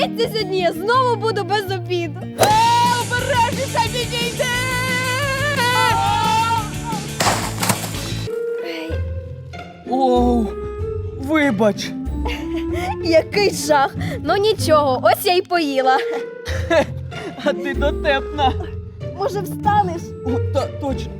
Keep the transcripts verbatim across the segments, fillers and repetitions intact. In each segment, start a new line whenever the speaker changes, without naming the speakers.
Здається, сьогодні я знову буду без обіду. Обережніше підійди!
Оу, вибач.
Який жах! Ну нічого, ось я й поїла.
А ти дотепна.
Може, встанеш?
О, та, точно.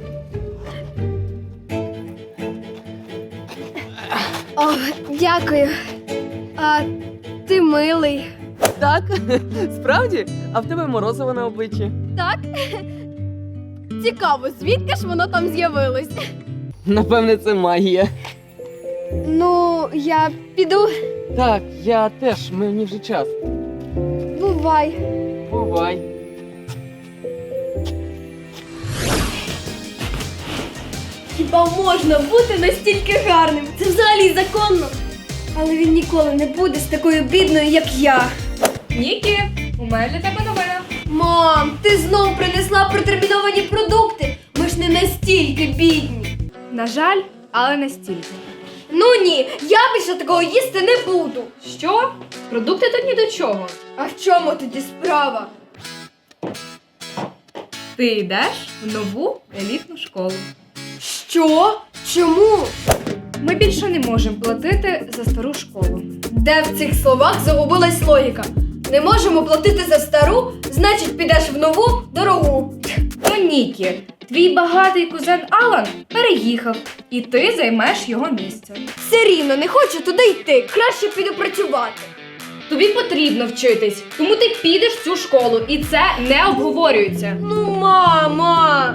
О, дякую. А ти милий.
Так, справді? А в тебе морозиво на обличчі.
Так? Цікаво, звідки ж воно там з'явилось?
Напевне, це магія.
Ну, я піду.
Так, я теж, мені вже час.
Бувай.
Бувай.
Хіба можна бути настільки гарним? Це взагалі законно. Але він ніколи не буде з такою бідною, як я.
Нікі, у мене для тебе новина.
Мам, ти знову принесла протерміновані продукти. Ми ж не настільки бідні.
На жаль, але не стільки.
Ну ні, я більше такого їсти не буду.
Що? Продукти тут ні до чого.
А в чому тоді справа?
Ти йдеш в нову елітну школу.
Що? Чому?
Ми більше не можемо платити за стару школу.
Де в цих словах загубилась логіка? Не можемо платити за стару, значить підеш в нову, дорогу.
Ну, Нікі, твій багатий кузен Алан переїхав, і ти займеш його місце.
Все рівно не хочу туди йти, краще піду працювати.
Тобі потрібно вчитись, тому ти підеш в цю школу, і це не обговорюється.
Ну, мама!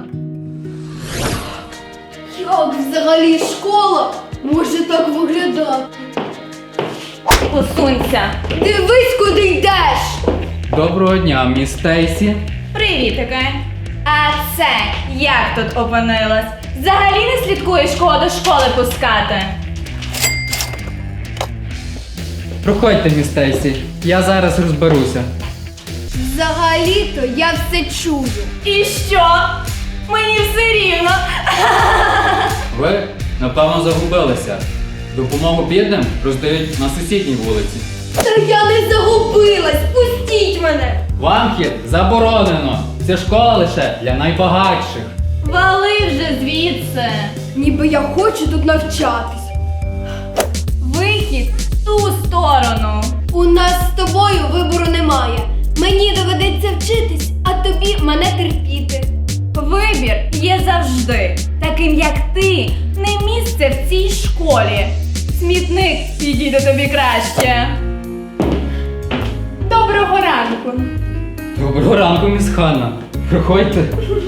Як взагалі школа може так виглядати?
Посунься.
Дивись, куди йдеш!
Доброго дня, міс Стейсі.
Привітики! А це як тут опинилась? Взагалі не слідкуєш, кого до школи пускати?
Проходьте, міс Стейсі. Я зараз розберуся.
Взагалі-то я все чую.
І що? Мені все рівно.
Ви, напевно, загубилися. Допомогу бідним роздають на сусідній вулиці.
Та я не загубилась, пустіть мене!
Вам хід заборонено. Це школа лише для найбагатших.
Вали вже звідси.
Ніби я хочу тут навчатись.
Вихід в ту сторону.
У нас з тобою вибору немає. Мені доведеться вчитись, а тобі мене терпіти.
Вибір є завжди. Таким як ти, не місце в цій школі. Смітник підійде тобі краще. Доброго ранку.
Доброго ранку, міс Ханна. Проходьте.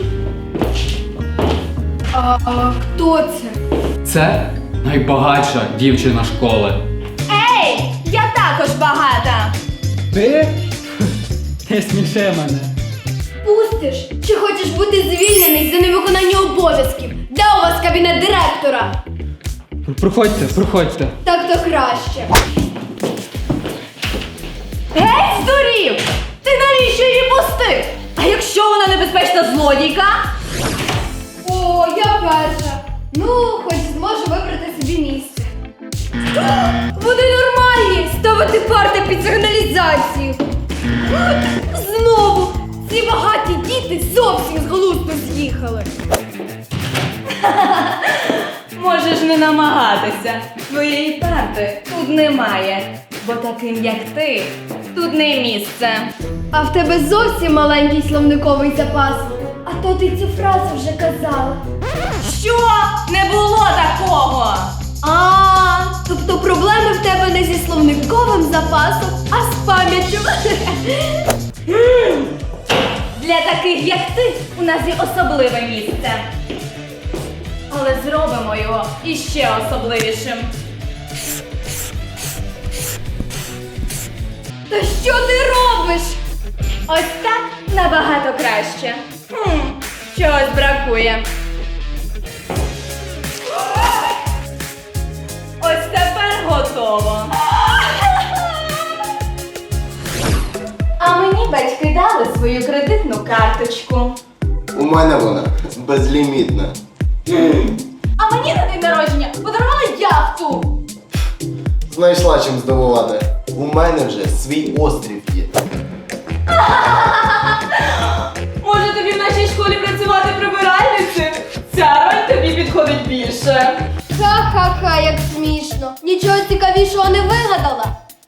А, а хто це?
Це найбагатша дівчина школи.
Ей, я також багата.
Ти? Не сміши мене.
Пустиш? Чи хочеш бути звільнений за невиконання обов'язків? Де у вас кабінет директора?
Проходьте, проходьте.
Так то краще.
Геть здурів! Ти навіщо її пустив? А якщо вона небезпечна злодійка?
О, я перша. Ну, хоч зможу вибрати собі місце. Вони нормальні! Ставити парти під сигналізацію. Знову! Ці багаті діти зовсім з глузду з'їхали.
Можеш не намагатися. Твоєї парти тут немає. Бо таким, як ти, тут не місце.
А в тебе зовсім маленький словниковий запас. А то ти цю фразу вже казала.
Що? Не було такого!
А, тобто проблеми в тебе не зі словниковим запасом, а з пам'яттю.
Для таких, як ти, у нас є особливе місце. Але зробимо його іще особливішим.
Та що ти робиш?
Ось так набагато краще. Хм, чогось бракує. Ось тепер готово. А мені батьки дали свою кредитну карточку.
У мене вона безлімітна.
А мені на день народження подарували яхту.
Знайшла чим здивувати. У мене вже свій острів є.
Може тобі в нашій школі працювати прибиральницею? Ця роль тобі підходить більше.
Ха-ха-ха, як смішно. Нічого цікавішого не вигадала.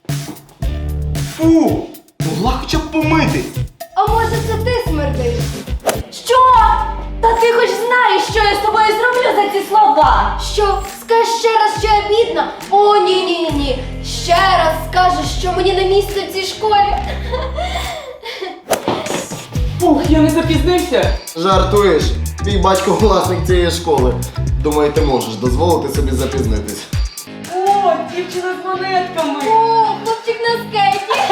Фу! Могла хоча б помитись.
А може це ти смердиш?
Що? Та ти хоч знаєш, що я з тобою зроблю за ці слова?
Що? Скажеш ще раз, що я бідна? О, ні-ні-ні. Ще раз скажеш, що мені не місце в цій школі.
Фух, я не запізнився.
Жартуєш? Твій батько власник цієї школи. Думаю, ти можеш дозволити собі запізнитись.
О, дівчина з монетками.
О, хлопчик на скейті.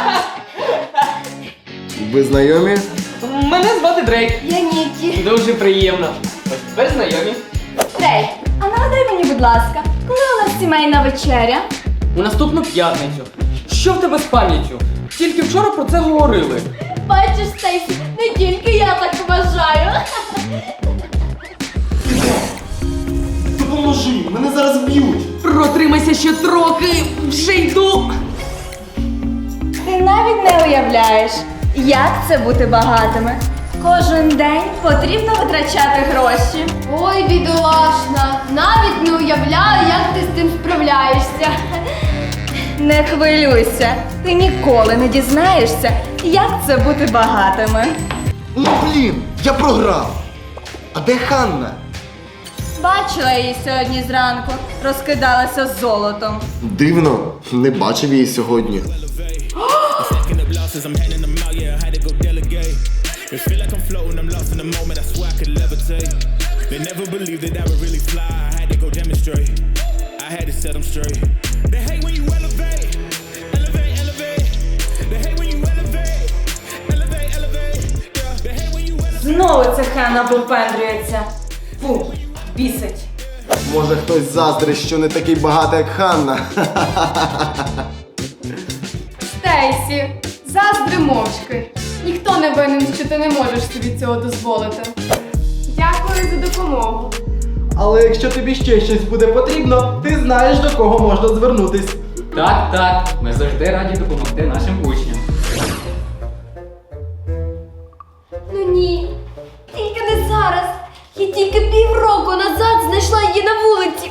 Ви знайомі?
Мене звати Дрейк.
Я Нікі.
Дуже приємно. Ось тепер знайомі.
Трей, а нагадай мені, будь ласка, коли у нас сімейна вечеря?
У наступну п'ятницю. Що в тебе з пам'яттю? Тільки вчора про це говорили.
Бачиш, Стейсі, не тільки я так вважаю.
Допоможи, мене зараз б'ють.
Протримайся ще трохи, вже йду.
Ти навіть не уявляєш, як це бути багатими. Кожен день потрібно витрачати гроші.
Ой, бідолашна, навіть не уявляю, як ти з цим справляєшся.
Не хвилюйся, ти ніколи не дізнаєшся, як це бути багатими.
Ну блін, я програв. А де Ханна?
Бачила її сьогодні зранку, розкидалася з золотом.
Дивно, не бачив її сьогодні.
Stacking up losses, I'm handing them out, yeah, I had to go delegate. It feel like I'm floating, I'm lost in the moment, I swear I could levitate. They never believed that I would really fly, I had to go demonstrate. I had to set them straight. They hate when you elevate, elevate, elevate. They hate when you elevate, elevate, elevate. Yeah, they hate when you elevate.
Знову ця Ханна випендрюється. Фу, бісить.
Може хтось заздрить, що не такий багатий, як Ханна.
Стейсі, заздри мовчки. Ніхто не винен, що ти не можеш собі цього дозволити. Дякую за допомогу.
Але якщо тобі ще щось буде потрібно, ти знаєш, до кого можна звернутись.
Так, так, ми завжди раді допомогти нашим учням.
Ну ні, тільки не зараз. Я тільки півроку назад знайшла її на вулиці.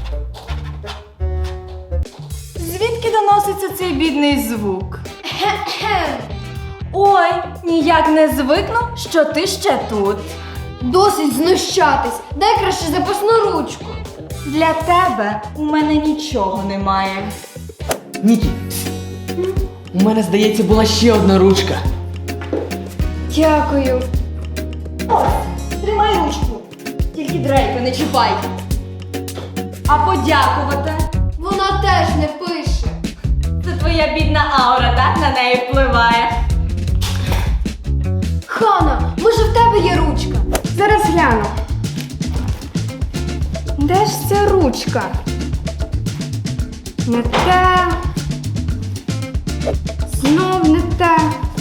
Звідки доноситься цей бідний звук?
Кхе-кхе.
Ой, ніяк не звикну, що ти ще тут.
Досить знущатись. Дай краще запасну ручку.
Для тебе у мене нічого немає.
Нікі, у мене, здається, була ще одна ручка.
Дякую.
Ось, тримай ручку. Тільки Дрейка не чіпай. А подякувати?
Вона теж не пише.
Це твоя бідна аура так на неї впливає.
Хана, може в тебе є ручка?
Зараз гляну. Де ж ця ручка? Не те. Знов не те.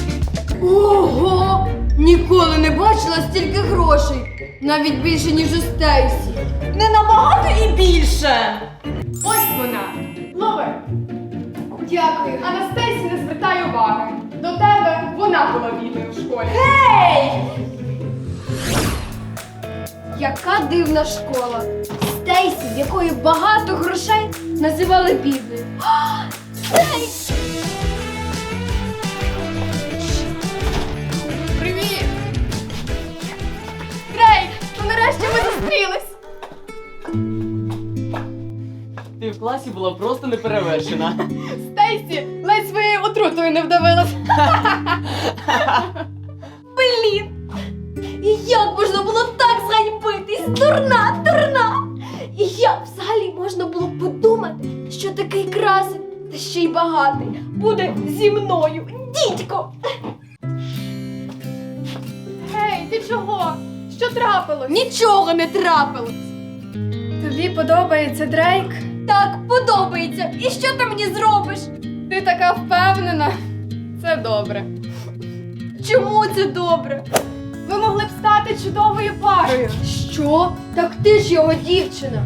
Ого! Ніколи не бачила стільки грошей. Навіть більше, ніж у Стейсі.
Не набагато і більше.
Ось вона. Лови.
Дякую.
А на Стейсі не звертай уваги. До тебе вона була бідною в школі.
Ей!
Яка дивна школа. Стейсі, в якої багато грошей, називали бідною. А, Стейсі!
Привіт! Дрейк, ну нарешті ми зустрілись.
Ти в класі була просто неперевершена.
Стейсі, ледь своєю отрутою не вдавилась.
Блін! І як можна було так зганьбитись? Дурна, дурна! І як взагалі можна було подумати, що такий красень, та ще й багатий, буде зі мною, дідько!
Гей, ти чого? Що трапилось?
Нічого не трапилось!
Тобі подобається Дрейк?
Так, подобається. І що ти мені зробиш?
Ти така впевнена. Це добре.
Чому це добре?
Ви могли б стати чудовою парою.
Що? Так ти ж його дівчина.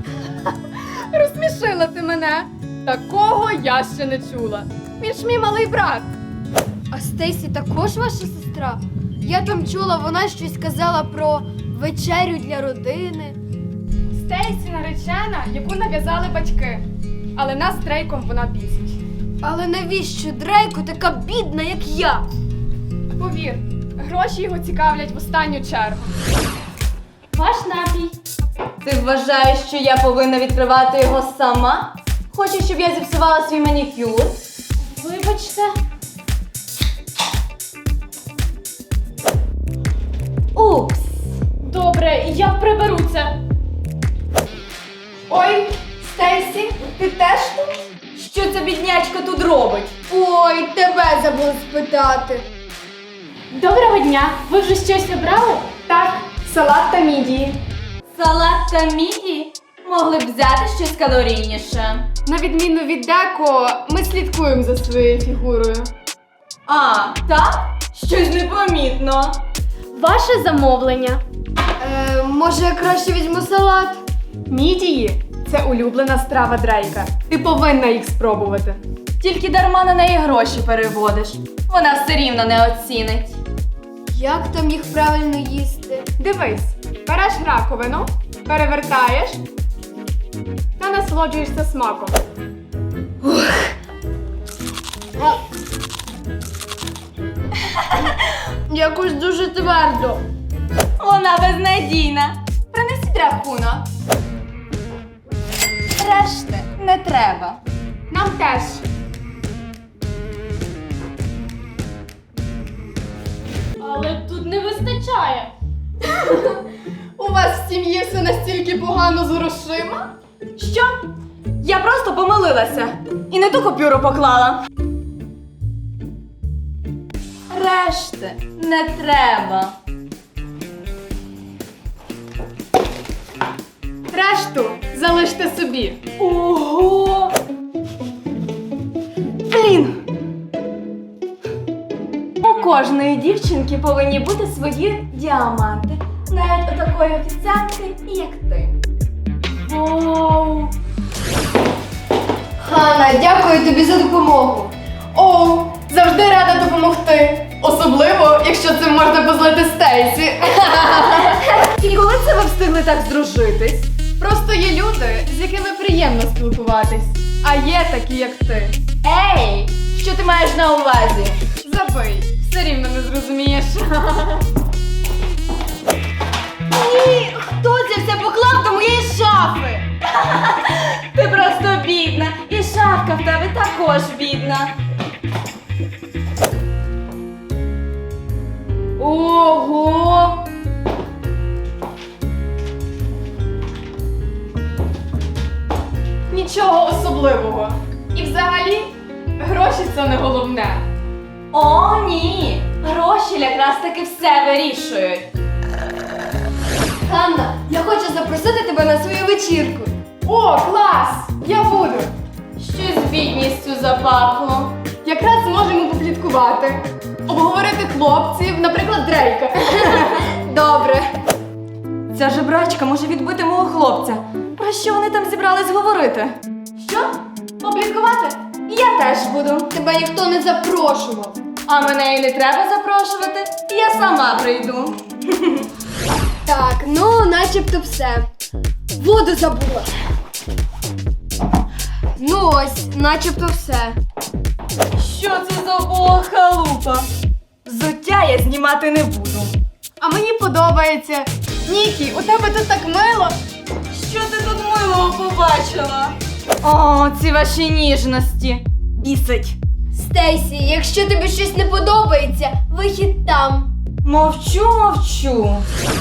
Розсмішила ти мене. Такого я ще не чула. Він ж мій малий брат.
А Стейсі також ваша сестра? Я там чула, вона щось казала про вечерю для родини.
Стейсі наречена, яку нав'язали батьки. Але нас з Дрейком вона бісить.
Але навіщо Дрейку така бідна, як я?
Повір, гроші його цікавлять в останню чергу.
Ваш напій. Ти вважаєш, що я повинна відкривати його сама? Хочеш, щоб я зіпсувала свій манікюр? Вибачте. Упс.
Добре, я приберу це. Ой, Стейсі, ти теж тут?
Що ця біднячка тут робить?
Ой, тебе забула спитати.
Доброго дня! Ви вже щось обрали? Так, салат та мідії.
Салат та мідії? Могли б взяти щось калорійніше.
На відміну від Деко, ми слідкуємо за своєю фігурою.
А, так? Щось непомітно.
Ваше замовлення.
Е, може, я краще візьму салат?
Мідії – це улюблена страва Дрейка. Ти повинна їх спробувати.
Тільки дарма на неї гроші переводиш. Вона все рівно не оцінить.
Як там їх правильно їсти?
Дивись, береш раковину, перевертаєш та насолоджуєшся смаком.
Якось дуже твердо.
Вона безнадійна. Принесіть рахунок. Решти не треба.
Нам теж.
Але тут не вистачає.
У вас в сім'ї все настільки погано з грошима?
Що? Я просто помилилася. І не ту купюру поклала. Решти не треба.
Решту залиште собі.
Ого! Блін! У кожної дівчинки повинні бути свої діаманти. Навіть у такої офіціантки, як ти.
Вау!
Ханна, дякую тобі за допомогу.
О, завжди рада допомогти. Особливо, якщо цим можна позлити Стейсі.
І коли це ви встигли так здружитись?
Просто є люди, з якими приємно спілкуватись. А є такі, як ти.
Ей! Що ти маєш на увазі?
Забий, все рівно не зрозумієш.
Ні! Хто це все поклав до моєї шафи? Ти просто бідна. І шафка в тебе також бідна. Ого!
Нічого особливого. І взагалі, гроші це не головне.
О, ні! Гроші якраз таки все вирішують.
Ханна, я хочу запросити тебе на свою вечірку.
О, клас! Я буду.
Щось з бідністю запахло.
Якраз зможемо попліткувати. Обговорити хлопців, наприклад, Дрейка.
Добре.
Ця жебрачка може відбити мого хлопця. Про що вони там зібрались говорити? Що? Попліткувати? Я теж буду.
Тебе ніхто не запрошував.
А мене і не треба запрошувати. Я сама прийду.
Так, ну, начебто все. Воду забула. Ну ось, начебто все.
Що це за убога халупа? Взуття я знімати не буду.
А мені подобається. Нікі, у тебе тут так мило.
Що ти тут милого побачила? О, ці ваші ніжності. Бісить.
Стейсі, якщо тобі щось не подобається, вихід там.
Мовчу, мовчу.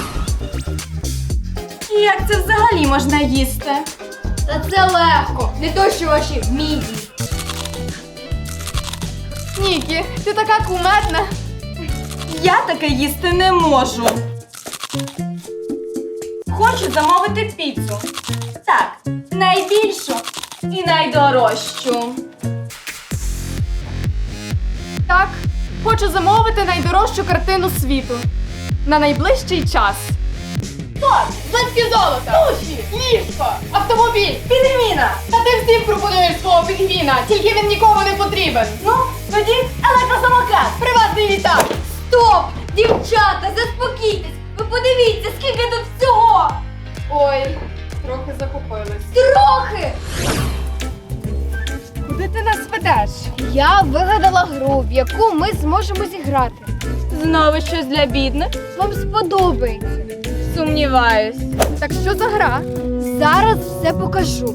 Як це взагалі можна їсти?
Та це легко, не то що ваші мідії.
Нікі, ти така кумедна.
Я таке їсти не можу. Хочу замовити піцу. Так, найбільшу і найдорожчу.
Так, хочу замовити найдорожчу картину світу. На найближчий час. Так, злитки золота, суші, ліжко, автомобіль,
Підміна!
Та ти всім пропонуєш свого пінгвіна, тільки він нікому не потрібен.
Ну, Тоді електросамокат, приватний літак.
Стоп! Дівчата, заспокійтесь! Ви подивіться, скільки тут всього!
Ой, трохи захопились.
Трохи!
Куди ти нас ведеш?
Я вигадала гру, в яку ми зможемо зіграти.
Знову щось для бідних?
Вам сподобається.
Сумніваюсь.
Так що за гра?
Зараз все покажу.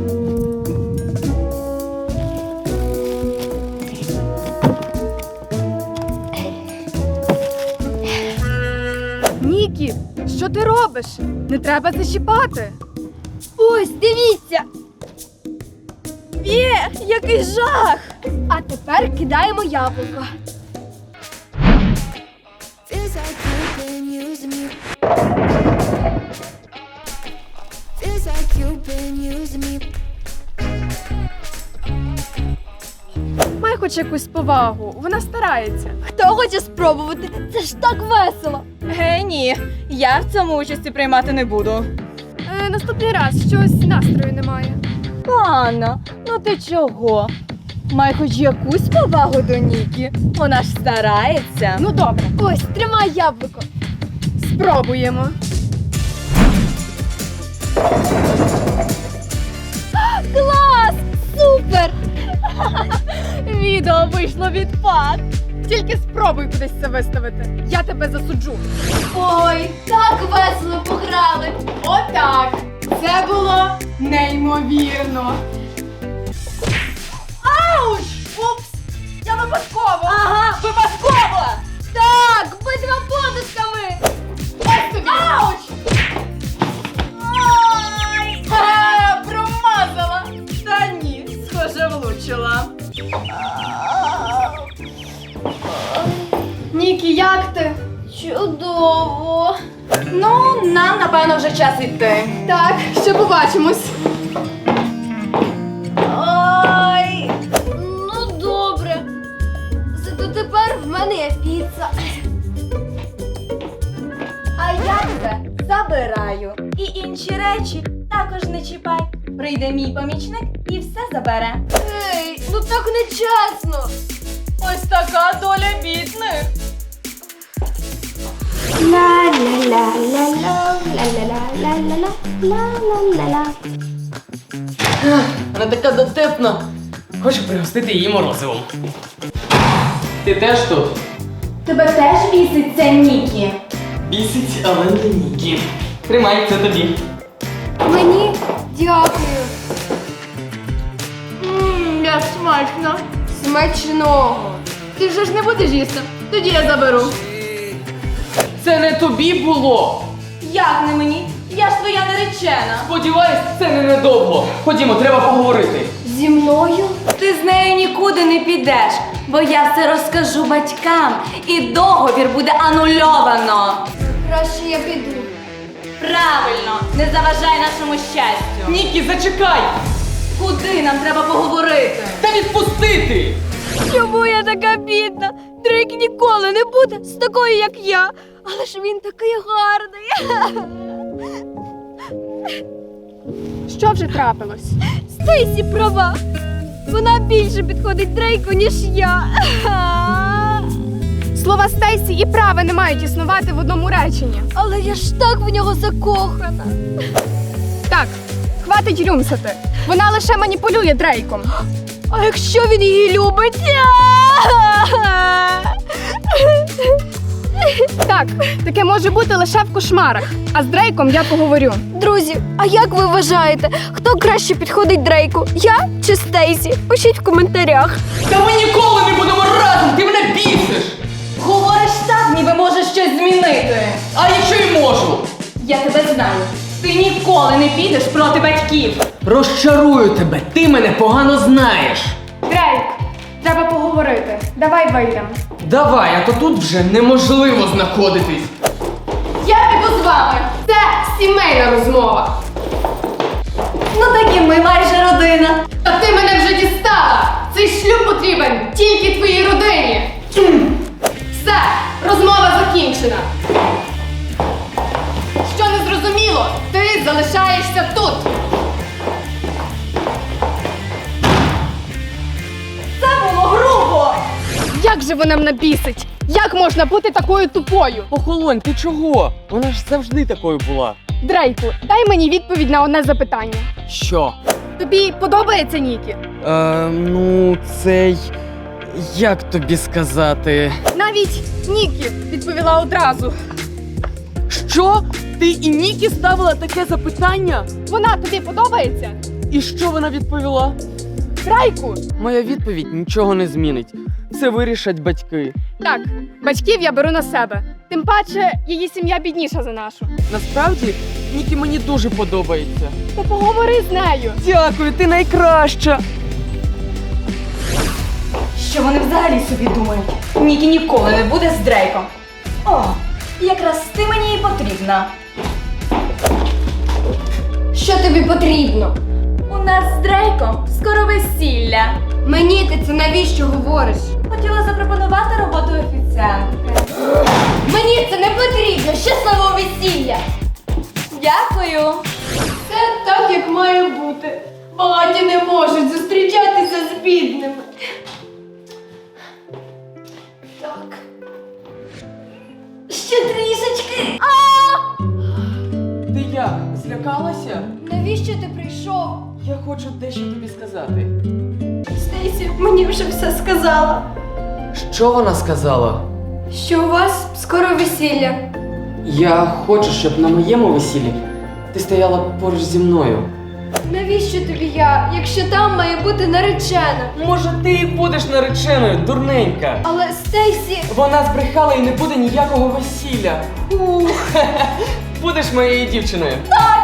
Нікі, що ти робиш? Не треба зачіпати.
Ось, дивіться!
Є, який жах!
А тепер кидаємо яблуко.
Feels like you've been using me. Feels like you've been using me.
Май хоч якусь повагу, вона старається.
Хто хоче спробувати? Це ж так весело!
Гей, ні, я в цьому участі приймати не буду.
Е, наступний раз щось настрою немає.
Анна, ну ти чого? Май хоч якусь повагу до Нікі. Вона ж старається.
Ну добре,
Ось, тримай яблуко.
спробуємо.
Клас! Супер!
Відео вийшло відпад.
Тільки спробуй кудись це виставити. Я тебе засуджу.
Ой, так весело пограли!
Отак. Це було неймовірно.
Ауч! Упс! Я випадково! Ага, випадково!
Так, битва подушками!
Ось тобі.
Ауч! Ой! Ха, промазала! Та ні, схоже, влучила.
Нікі, як ти?
Чудово!
Ну, нам, напевно, вже час йти.
Так, ще побачимось.
Ой, ну добре. Зато тепер в мене є піца.
А я тебе забираю. І інші речі також не чіпай. Прийде мій помічник і все забере.
Ей, ну так нечесно.
Ось така доля бідних.
Ла-ла-ла-ла-ла-ла-ла-ла-ла-ла-ла-ла.
Вона така дотепна. Хочу пригостити її морозивом. Ти теж тут?
Тебе теж бісить це Нікі?
Бісить, але не Нікі. Тримай, це тобі.
Мені дякую.
Ммм, як смачно.
Смачного.
Ти вже ж не будеш їсти. Тоді я заберу.
Це не тобі було.
Як не мені? Я ж твоя наречена.
Сподіваюсь, це не недовго. Ходімо, треба поговорити.
Зі мною?
Ти з нею нікуди не підеш, бо я все розкажу батькам, і договір буде анульовано.
Краще я піду.
Правильно, не заважай нашому щастю.
Нікі, зачекай!
Куди нам треба поговорити?
Та відпустити!
Чому я така бідна? Дрейк ніколи не буде з такою, як я. Але ж він такий гарний.
Що вже трапилось?
Стейсі права. Вона більше підходить Дрейку, ніж я.
Слова Стейсі і праве не мають існувати в одному реченні.
Але я ж так в нього закохана.
Так, хватить рюмсати. Вона лише маніпулює Дрейком.
А якщо він її любить?
Так, таке може бути лише в кошмарах. А з Дрейком я поговорю.
Друзі, а як ви вважаєте, хто краще підходить Дрейку? Я чи Стейсі? Пишіть в коментарях.
Та ми ніколи не будемо разом! Ти мене бісиш!
Говориш так, ніби можеш щось змінити.
А якщо й можу?
Я тебе знаю. Ти ніколи не підеш проти батьків.
Розчарую тебе, ти мене погано знаєш.
Дрейк, треба поговорити. Давай вийдемо.
Давай, а то тут вже неможливо знаходитись.
Я піду з вами. Це сімейна розмова.
Ну так і ми майже родина.
Та ти мене вже дістала. Цей шлюб потрібен тільки твоїй родині. Все, розмова закінчена. Що не зрозуміло, ти залишаєшся тут.
Це було грубо.
Як же вона мене бісить? Як можна бути такою тупою?
Охолонь, ти чого? Вона ж завжди такою була.
Дрейку, дай мені відповідь на одне запитання.
Що?
Тобі подобається Нікі?
Е, ну, цей. Як тобі сказати?
Навіть Нікі відповіла одразу.
Що? Ти і Нікі ставила таке запитання?
Вона тобі подобається?
І що вона відповіла?
Дрейку!
Моя відповідь нічого не змінить. Це вирішать батьки.
Так, батьків я беру на себе. Тим паче, її сім'я бідніша за нашу.
Насправді, Нікі мені дуже подобається.
То поговори з нею.
Дякую, ти найкраща.
Що вони взагалі собі думають? Нікі ніколи не буде з Дрейком. О, якраз ти мені і потрібна.
Що тобі потрібно?
У нас з Дрейком скоро весілля.
Мені ти це навіщо говориш?
Хотіла запропонувати роботу офіціантки.
Мені це не потрібно! Щасливого весілля!
Дякую.
Це так, як має бути. Багаті не можуть зустрічатися з бідними. Так. Ще трішечки.
Ти як? Злякалася?
Навіщо ти прийшов?
Я хочу дещо тобі сказати.
Стейсі мені вже все сказала.
Що вона сказала?
Що у вас скоро весілля.
Я хочу, щоб на моєму весіллі ти стояла поруч зі мною.
Навіщо тобі я, якщо там має бути наречена?
Може, ти і будеш нареченою, дурненька.
Але Стейсі...
Вона збрехала і не буде ніякого весілля. Ух, будеш моєю дівчиною.
Так,